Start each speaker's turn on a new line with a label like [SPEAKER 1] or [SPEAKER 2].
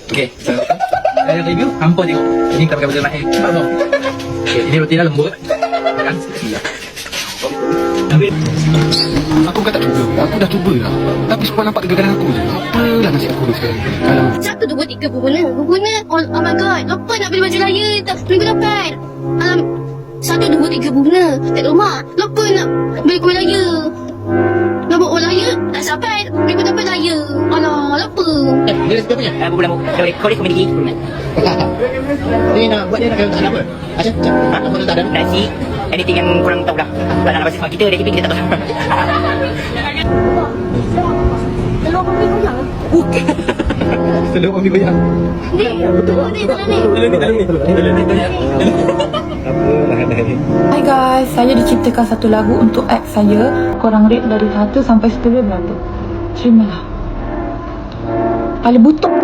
[SPEAKER 1] Okay, so saya review hampa tengok. Ini kalau kita naik apa? Okay, ini roti dah lembut. Kan? Ambil.
[SPEAKER 2] Aku bukan tak cuba. Aku dah cuba lah. Tapi semua nampak kegagalan aku je. Apalah nasib aku ni sekarang. Kalau
[SPEAKER 3] 1, 2, 3 berguna. Berguna. Oh my god. Lupa nak beli baju raya minggu depan. 1, 2, 3 berguna. Kat rumah. Lupa nak beli kuih raya. Nak buat orang raya. Tak sampai. Minggu depan raya. Alah, lupa.
[SPEAKER 4] Dia resipi apa punya?
[SPEAKER 1] Bulan kau ni komedi.
[SPEAKER 4] Dia nak buat dia nak kena apa? Macam apa tu tak ada?
[SPEAKER 1] Nasi, anything yang kurang tahu lah. Tak nak bagi kita, resipi kita tak tahu.
[SPEAKER 3] Telur pembeli goyang.
[SPEAKER 4] Telur ambil goyang.
[SPEAKER 3] Ni. Betul. Ni, telur ni.
[SPEAKER 5] Hai guys, saya diciptakan satu lagu untuk ex saya. Korang rate dari 1 sampai 10 berapa? Terimalah. Paling butuh.